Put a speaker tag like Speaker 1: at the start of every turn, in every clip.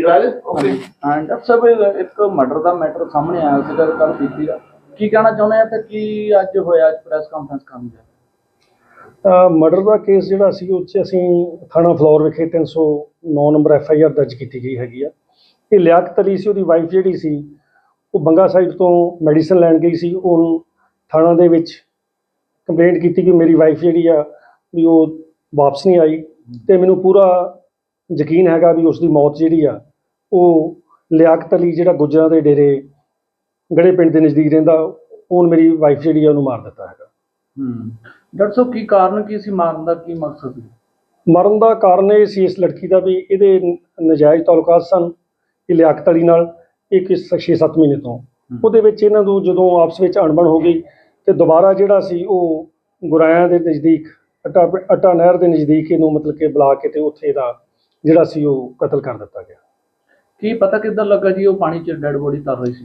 Speaker 1: Doctor ਸਾਹਿਬ ਇੱਕ murder ਦਾ matter ਸਾਹਮਣੇ ਆਇਆ ਸੀਗਾ ਕੱਲ ਬੀਤੀ ਦਾ, ਕੀ ਕਹਿਣਾ ਚਾਹੁੰਦੇ ਆ ਤੇ ਕੀ ਅੱਜ ਹੋਇਆ, ਅੱਜ ਪ੍ਰੈਸ ਕਾਨਫਰੰਸ ਕਰਨ ਦਾ?
Speaker 2: ਮਰਡਰ ਦਾ ਕੇਸ ਜਿਹੜਾ ਸੀ ਉਹ 'ਚ ਅਸੀਂ ਥਾਣਾ ਫਲੋਰ ਵਿਖੇ 309 ਨੰਬਰ FIR ਦਰਜ ਕੀਤੀ ਗਈ ਹੈਗੀ ਆ। ਇਹ ਲਿਆਕਤ ਅਲੀ ਸੀ, ਉਹਦੀ ਵਾਈਫ ਜਿਹੜੀ ਸੀ ਉਹ ਬੰਗਾ ਸਾਈਡ ਤੋਂ ਮੈਡੀਸਨ ਲੈਣ ਗਈ ਸੀ। ਉਹਨੂੰ ਥਾਣਾ ਦੇ ਵਿੱਚ ਕੰਪਲੇਂਟ ਕੀਤੀ ਕਿ ਮੇਰੀ ਵਾਈਫ ਜਿਹੜੀ ਆ ਵੀ ਉਹ ਵਾਪਸ ਨਹੀਂ ਆਈ, ਅਤੇ ਮੈਨੂੰ ਪੂਰਾ ਯਕੀਨ ਹੈਗਾ ਵੀ ਉਸ ਦੀ ਮੌਤ ਜਿਹੜੀ ਆ ਉਹ ਲਿਆਕਤ ਅਲੀ ਜਿਹੜਾ ਗੁੱਜਰਾਂ ਦੇ ਡੇਰੇ ਗੜੇ ਪਿੰਡ ਦੇ ਨਜ਼ਦੀਕ ਰਹਿੰਦਾ, ਉਹਨੇ ਮੇਰੀ ਵਾਈਫ ਜਿਹੜੀ ਆ ਉਹਨੂੰ ਮਾਰ ਦਿੱਤਾ ਹੈਗਾ।
Speaker 1: ਡਾਕਟਰ ਸਾਹਿਬ ਕੀ ਕਾਰਨ ਕੀ ਸੀ ਮਾਰਨ ਦਾ, ਕੀ ਮਕਸਦ ਸੀ?
Speaker 2: ਮਰਨ ਦਾ ਕਾਰਨ ਇਹ ਸੀ ਇਸ ਲੜਕੀ ਦਾ ਵੀ ਇਹਦੇ ਨਜਾਇਜ਼ ਤਾਲੁਕਾਤ ਸਨ ਇਹ ਲਿਆਕਤ ਅਲੀ ਨਾਲ, ਇੱਕ 6-7 ਮਹੀਨੇ ਤੋਂ। ਉਹਦੇ ਵਿੱਚ ਇਹਨਾਂ ਨੂੰ ਜਦੋਂ ਆਪਸ ਵਿੱਚ ਅਣਬਣ ਹੋ ਗਈ ਤੇ ਦੁਬਾਰਾ ਜਿਹੜਾ ਸੀ ਉਹ ਗੁਰਾਇਆਂ ਦੇ ਨਜ਼ਦੀਕ ਅੱਟਾ ਨਹਿਰ ਦੇ ਨਜ਼ਦੀਕ ਇਹਨੂੰ ਮਤਲਬ ਕਿ ਬੁਲਾ ਕੇ ਤੇ ਉੱਥੇ ਦਾ ਜਿਹੜਾ ਸੀ ਉਹ ਕਤਲ ਕਰ ਦਿੱਤਾ ਗਿਆ।
Speaker 1: ਕੀ ਪਤਾ ਕਿੱਦਾਂ ਲੱਗਾ ਜੀ ਉਹ ਪਾਣੀ 'ਚ ਡੈਡ ਬੋਡੀ ਤਰ ਰਹੀ ਸੀ?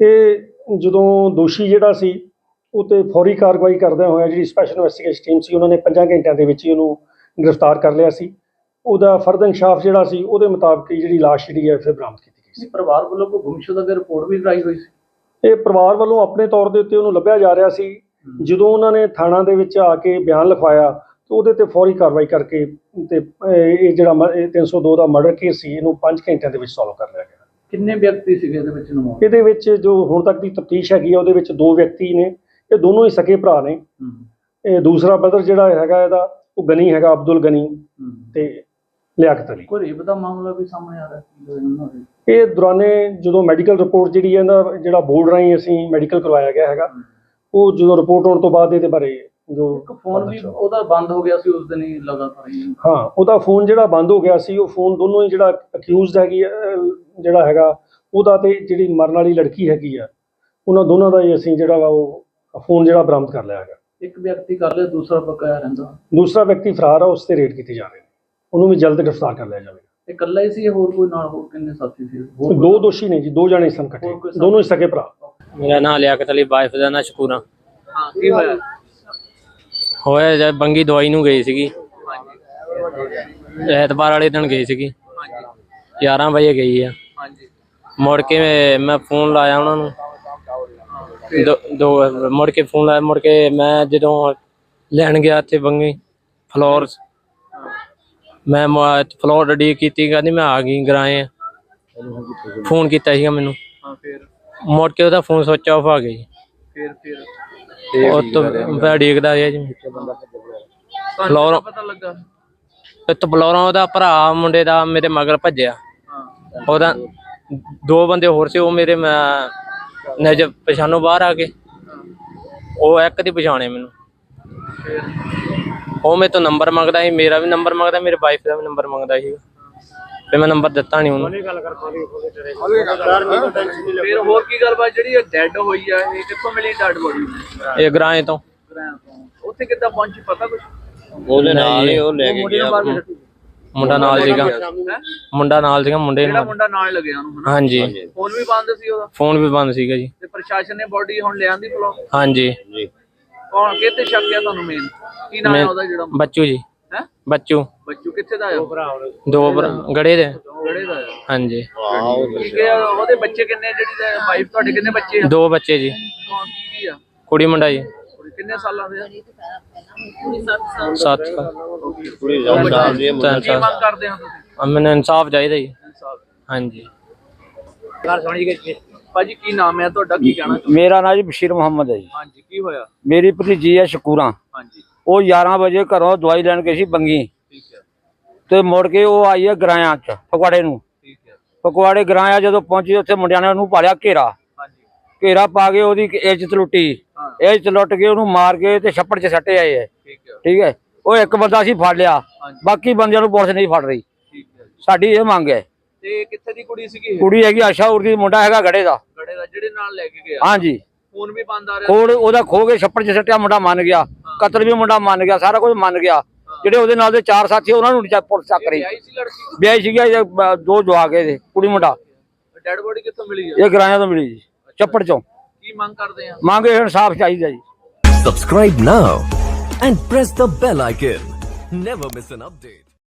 Speaker 2: ਇਹ ਜਦੋਂ ਦੋਸ਼ੀ ਜਿਹੜਾ ਸੀ ਉਹ ਤੇ ਫੌਰੀ ਕਾਰਵਾਈ ਕਰਦਿਆਂ ਹੋਇਆ ਜਿਹੜੀ ਸਪੈਸ਼ਲ ਇਨਵੈਸਟੀਗੇਸ਼ਨ ਟੀਮ ਸੀ ਉਹਨਾਂ ਨੇ 5 ਘੰਟਿਆਂ ਦੇ ਵਿੱਚ ਹੀ ਉਹਨੂੰ ਗ੍ਰਿਫਤਾਰ ਕਰ ਲਿਆ ਸੀ। ਉਹਦਾ ਫਰਦ ਇਨਸ਼ਾਫ ਜਿਹੜਾ ਸੀ ਉਹਦੇ ਮੁਤਾਬਕ ਜਿਹੜੀ ਲਾਸ਼ ਜਿਹੜੀ ਹੈ ਫਿਰ ਬਰਾਮਦ ਕੀਤੀ ਗਈ ਸੀ।
Speaker 1: ਪਰਿਵਾਰ ਵੱਲੋਂ ਕੋਈ ਗੁੰਮਸ਼ੁਦਾ ਦੀ ਰਿਪੋਰਟ ਵੀ ਕਰਾਈ ਹੋਈ ਸੀ?
Speaker 2: ਇਹ ਪਰਿਵਾਰ ਵੱਲੋਂ ਆਪਣੇ ਤੌਰ ਦੇ ਉੱਤੇ ਉਹਨੂੰ ਲੱਭਿਆ ਜਾ ਰਿਹਾ ਸੀ। ਜਦੋਂ ਉਹਨਾਂ ਨੇ ਥਾਣਾ ਦੇ ਵਿੱਚ ਆ ਕੇ ਬਿਆਨ ਲਿਖਵਾਇਆ ਤਾਂ ਉਹਦੇ ਤੇ ਫੌਰੀ ਕਾਰਵਾਈ ਕਰਕੇ ਤੇ ਇਹ ਜਿਹੜਾ 302 ਦਾ ਮਰਡਰ ਕੇਸ ਸੀ ਇਹਨੂੰ 5 ਘੰਟਿਆਂ ਦੇ ਵਿੱਚ ਸੋਲਵ ਕਰ ਲਿਆ ਗਿਆ।
Speaker 1: ਕਿੰਨੇ ਵਿਅਕਤੀ ਸੀਗੇ ਇਹਦੇ ਵਿੱਚ ਇਨਵੋਲਵ?
Speaker 2: ਇਹਦੇ ਵਿੱਚ ਜੋ ਹੁਣ ਤੱਕ ਦੀ ਤਫਤੀਸ਼ ਹੈਗੀ ਆ ਉਹਦੇ ਵਿੱਚ 2 ਵਿਅਕਤੀ ਨੇ, ਇਹ ਦੋਨੋਂ ਹੀ ਸਕੇ ਭਰਾ ਨੇ। ਇਹ ਦੂਸਰਾ ਬ੍ਰਦਰ ਜਿਹੜਾ ਹੈਗਾ ਇਹਦਾ ਉਹ ਗਨੀ ਹੈਗਾ, ਅਬਦੁਲ ਗਨੀ ਤੇ ਲਿਆਕਤ ਅਲੀ।
Speaker 1: ਕੋਈ ਰੇਪ ਦਾ ਮਾਮਲਾ ਵੀ ਸਾਹਮਣੇ ਆ ਰਿਹਾ?
Speaker 2: ਇਹ ਦੌਰਾਨੇ ਜਦੋਂ ਮੈਡੀਕਲ ਰਿਪੋਰਟ ਜਿਹੜੀ ਹੈ ਨਾ ਜਿਹੜਾ ਬੋਰਡ ਰਾਹੀਂ ਅਸੀਂ ਮੈਡੀਕਲ ਕਰਵਾਇਆ ਗਿਆ ਹੈਗਾ, ਉਹ ਜਦੋਂ ਰਿਪੋਰਟ ਆਉਣ ਤੋਂ ਬਾਅਦ ਇਹਦੇ ਬਾਰੇ ਜੋ
Speaker 1: ਫੋਨ ਵੀ ਉਹਦਾ ਬੰਦ ਹੋ ਗਿਆ ਸੀ ਉਸ ਦਿਨ ਹੀ ਲਗਾਤਾਰ ਹੀ।
Speaker 2: ਹਾਂ, ਉਹਦਾ ਫੋਨ ਜਿਹੜਾ ਬੰਦ ਹੋ ਗਿਆ ਸੀ, ਉਹ ਫੋਨ ਦੋਨੋਂ ਹੀ ਜਿਹੜਾ ਅਕਿਊਜ਼ਡ ਹੈਗੀ ਜਿਹੜਾ ਹੈਗਾ ਉਹਦਾ ਤੇ ਜਿਹੜੀ ਮਰਨ ਵਾਲੀ ਲੜਕੀ ਹੈਗੀ ਆ ਉਹਨਾਂ ਦੋਨਾਂ ਦਾ ਹੀ ਅਸੀਂ ਜਿਹੜਾ ਵਾ ਉਹ ਫੋਨ ਜਿਹੜਾ ਬਰਾਮਦ ਕਰ ਲਿਆ ਹੈਗਾ।
Speaker 1: ਇੱਕ ਵਿਅਕਤੀ ਕਰ ਲਿਆ, ਦੂਸਰਾ ਬਕਾਇਆ ਰਹਿੰਦਾ।
Speaker 2: ਦੂਸਰਾ ਵਿਅਕਤੀ ਫਰਾਰ ਆ, ਉਸ ਤੇ ਰੇਡ ਕੀਤੇ ਜਾ ਰਹੇ ਨੇ, ਉਹਨੂੰ ਵੀ ਜਲਦ ਗ੍ਰਿਫਤਾਰ ਕਰ ਲਿਆ ਜਾਵੇਗਾ।
Speaker 1: ਇਹ ਇਕੱਲਾ ਹੀ ਸੀ, ਹੋਰ ਕੋਈ ਨਾਲ ਹੋਰ ਕਿੰਨੇ ਸਾਥੀ ਸੀ?
Speaker 2: 2 ਦੋਸ਼ੀ ਨੇ ਜੀ, 2 ਜਾਣੇ ਸਨ ਇਕੱਠੇ, ਦੋਨੋਂ ਹੀ ਸਕੇ ਭਰਾ।
Speaker 3: ਮੇਰਾ ਨਾਮ ਲਿਆਕਤ ਅਲੀ, ਵਾਈਫ ਦਾ ਨਾਂ ਸ਼ਕੂਰਾ।
Speaker 1: ਹਾਂ, ਕੀ ਹੋਇਆ?
Speaker 3: ਹੋਇਆ ਜਦ ਬੰਗੀ ਦਵਾਈ ਨੂੰ ਗਈ ਸੀਗੀ, ਐਤਵਾਰ ਵਾਲੇ ਦਿਨ ਗਈ ਸੀਗੀ, 11 ਵਜੇ ਗਈ ਆ। ਮੁੜ ਕੇ ਮੈਂ ਫੋਨ ਲਾਇਆ ਉਹਨਾਂ ਨੂੰ, ਮੁੜ ਕੇ ਫੋਨ ਲਾਇਆ। ਮੁੜ ਕੇ ਮੈਂ ਜਦੋਂ ਲੈਣ ਗਿਆ ਇੱਥੇ ਬੰਗੀ ਫਲੋਰ, ਮੈਂ ਫਲੋਰ ਰੈਡੀ ਕੀਤੀ, ਕਹਿੰਦੀ ਮੈਂ ਆ ਗਈ ਗਰਾਏ। ਫੋਨ ਕੀਤਾ ਸੀਗਾ ਮੈਨੂੰ, ਮੁੜ ਕੇ ਉਹਦਾ ਫੋਨ ਸਵਿਚ ਆਫ ਆ ਗਿਆ ਜੀ। ਉਹ ਤੋਂ ਮੈਂ ਡੀਕਦਾ ਰਿਹਾ ਜੀ ਫਲੋਰੋਂ।
Speaker 1: ਪਤਾ ਲੱਗਾ
Speaker 3: ਇੱਥੇ ਫਲੋਰੋਂ ਉਹਦਾ ਭਰਾ ਮੁੰਡੇ ਦਾ ਮੇਰੇ ਮਗਰ ਭੱਜਿਆ। ਉਹਦਾ 2 ਬੰਦੇ ਹੋਰ ਸੀ, ਉਹ ਮੇਰੇ ਨਜ਼ਰ ਪਛਾਣੋਂ ਬਾਹਰ ਆ ਗਏ। ਉਹ ਇੱਕ ਦੀ ਪਛਾਣੇ ਮੈਨੂੰ, ਉਹ ਮੇਰੇ ਤੋਂ ਨੰਬਰ ਮੰਗਦਾ ਸੀ, ਮੇਰਾ ਵੀ ਨੰਬਰ ਮੰਗਦਾ, ਮੇਰੇ ਵਾਈਫ ਦਾ ਵੀ ਨੰਬਰ ਮੰਗਦਾ ਸੀ। ਤੇ ਮੈਂ ਨੰਬਰ ਦਿੱਤਾ ਨਹੀਂ ਉਹਨੂੰ।
Speaker 1: ਫਿਰ ਹੋਰ ਕੀ ਗੱਲਬਾਤ ਜਿਹੜੀ ਡੈਡ ਹੋਈ ਆ, ਇਹ ਕਿੱਥੋਂ ਮਿਲੀ ਡੈਡ ਬੋਡੀ?
Speaker 3: ਇਹ ਗਰਾਏ ਤੋਂ।
Speaker 1: ਉੱਥੇ ਕਿੱਦਾਂ ਪਹੁੰਚੀ ਪਤਾ ਕੁਛ?
Speaker 3: ਉਹਦੇ ਨਾਲ ਹੀ ਉਹ ਲੈ ਕੇ ਗਿਆ, ਮੁੰਡਾ ਨਾਲ ਸੀਗਾ, ਮੁੰਡਾ ਨਾਲ ਸੀਗਾ, ਮੁੰਡੇ
Speaker 1: ਜਿਹੜਾ ਮੁੰਡਾ ਨਾਲ ਲੱਗਿਆ ਉਹਨੂੰ?
Speaker 3: ਹਾਂਜੀ।
Speaker 1: ਫੋਨ ਵੀ ਬੰਦ ਸੀ ਉਹਦਾ?
Speaker 3: ਫੋਨ ਵੀ ਬੰਦ ਸੀਗਾ ਜੀ।
Speaker 1: ਤੇ ਪ੍ਰਸ਼ਾਸਨ ਨੇ ਬੋਡੀ ਹੁਣ ਲਿਆਂਦੀ ਫਲੋਰ?
Speaker 3: ਹਾਂਜੀ।
Speaker 1: ਕੌਣ ਕਿੱਥੇ ਸ਼ੱਕ ਆ ਤੁਹਾਨੂੰ? ਮੇਨ ਕੀ ਨਾਮ ਹੈ ਉਹਦਾ ਜਿਹੜਾ?
Speaker 3: ਬੱਚੂ ਜੀ।
Speaker 1: ਹੈ
Speaker 3: ਬੱਚੂ।
Speaker 1: ਬੱਚੂ ਕਿੱਥੇ ਦਾ ਆ?
Speaker 3: 2 ਗੜੇ ਦੇ।
Speaker 1: ਗੜੇ ਦਾ ਆ? ਹਾਂਜੀ। ਠੀਕ ਹੈ। ਉਹਦੇ ਬੱਚੇ ਕਿੰਨੇ? ਜਿਹੜੀ ਵਾਈਫ ਤੁਹਾਡੇ ਕਿੰਨੇ ਬੱਚੇ ਆ?
Speaker 3: 2 ਬੱਚੇ ਜੀ।
Speaker 1: ਕੀ ਆ?
Speaker 3: ਕੁੜੀ ਮੁੰਡਾ ਜੀ।
Speaker 1: ਕਿੰਨੇ ਸਾਲਾਂ ਦੇ ਆ?
Speaker 3: 7
Speaker 1: ਕੀ ਮੰਗ ਕਰਦੇ ਹੋ ਤੁਸੀਂ?
Speaker 3: ਮੈਨੂੰ ਇਨਸਾਫ ਚਾਹੀਦਾ ਜੀ। ਹਾਂਜੀ।
Speaker 1: ਭਾਜੀ ਕੀ ਨਾਮ ਹੈ ਤੁਹਾਡਾ, ਕੀ ਕਹਿਣਾ?
Speaker 4: ਮੇਰਾ ਨਾਮ ਜੀ ਬਸ਼ੀਰ ਮੁਹੰਮਦ ਹੈ ਜੀ।
Speaker 1: ਹਾਂਜੀ, ਕੀ ਹੋਇਆ?
Speaker 4: ਮੇਰੀ ਭਤੀਜੀ ਹੈ ਸ਼ਕੂਰਾ।
Speaker 1: ਹਾਂਜੀ।
Speaker 4: ਉਹ 11 ਵਜੇ ਘਰੋਂ ਦਵਾਈ ਲੈਣ ਗਈ ਸੀ ਬੰਗੀ,
Speaker 1: ਠੀਕ ਹੈ।
Speaker 4: ਤੇ ਮੁੜ ਕੇ ਉਹ ਆਈ ਹੈ ਗਰਾਇਆ ਚ ਫਗਵਾੜੇ ਨੂੰ।
Speaker 1: ਠੀਕ ਹੈ।
Speaker 4: ਫਗਵਾੜੇ ਗਰਾਇਆ ਜਦੋਂ ਪਹੁੰਚੀ ਉੱਥੇ ਮੁੰਡਿਆਂ ਨੇ ਉਹਨੂੰ ਪਾਲਿਆ ਘੇਰਾ।
Speaker 1: ਹਾਂਜੀ।
Speaker 4: ਘੇਰਾ ਪਾ ਕੇ ਉਹਦੀ ਇੱਜ਼ਤ ਲੁੱਟੀ, ਇੱਜ਼ਤ ਲੁੱਟ ਕੇ ਉਹਨੂੰ ਮਾਰ ਕੇ ਤੇ ਛੱਪੜ ਚ ਸੱਟੇ ਆਏ ਹੈ। ਠੀਕ ਹੈ। ਉਹ ਇੱਕ ਬੰਦਾ ਸੀ ਫੜ ਲਿਆ, ਬਾਕੀ ਬੰਦਿਆਂ ਨੂੰ ਪੁਲਿਸ ਨਹੀਂ ਫੜ ਰਹੀ।
Speaker 1: ਠੀਕ ਹੈ।
Speaker 4: ਸਾਡੀ ਇਹ ਮੰਗ ਹੈ।
Speaker 1: ਤੇ ਕਿੱਥੇ ਦੀ ਕੁੜੀ ਸੀਗੀ?
Speaker 4: ਕੁੜੀ ਹੈਗੀ ਆਸ਼ਾਉਰ ਦੀ, ਮੁੰਡਾ ਹੈਗਾ ਗੜੇ ਦਾ।
Speaker 1: ਗੜੇ ਦਾ ਜਿਹੜੇ ਨਾਲ ਲੈ ਕੇ ਗਿਆ?
Speaker 4: ਹਾਂਜੀ।
Speaker 1: ਫੋਨ ਵੀ ਬੰਦ ਆ ਰਿਹਾ?
Speaker 4: ਖੋੜ ਉਹਦਾ ਖੋ ਕੇ ਛੱਪੜ ਚ ਸੱਟਿਆ, ਮੁੰਡਾ ਮੰਨ ਗਿਆ। ਕਤਲ ਵੀ ਮੁੰਡਾ ਮੰਨ ਗਿਆ, ਸਾਰਾ ਕੁਝ ਮੰਨ ਗਿਆ। ਜਿਹੜੇ ਉਹਦੇ ਨਾਲ ਦੇ 4 ਸਾਥੀ ਉਹਨਾਂ ਨੂੰ ਪੁਲਿਸ ਚੱਕ ਰਹੀ। ਵਿਆਹੀ ਸੀਗੀ, 2 ਜਵਾਕ ਇਹਦੇ, ਕੁੜੀ ਮੁੰਡਾ।
Speaker 1: ਡੈਡ ਬੋਡੀ ਕਿੱਥੋਂ ਮਿਲੀ?
Speaker 4: ਇਹ ਗਰਾਇਆ ਤੋਂ ਮਿਲੀ ਜੀ, ਛੱਪੜ ਚੋਂ।
Speaker 1: ਕੀ ਮੰਗ ਕਰਦੇ ਆ?
Speaker 4: ਮੰਗ ਇਨਸਾਫ ਚਾਹੀਦਾ ਜੀ।
Speaker 5: Subscribe now and press the bell icon. Never miss an update.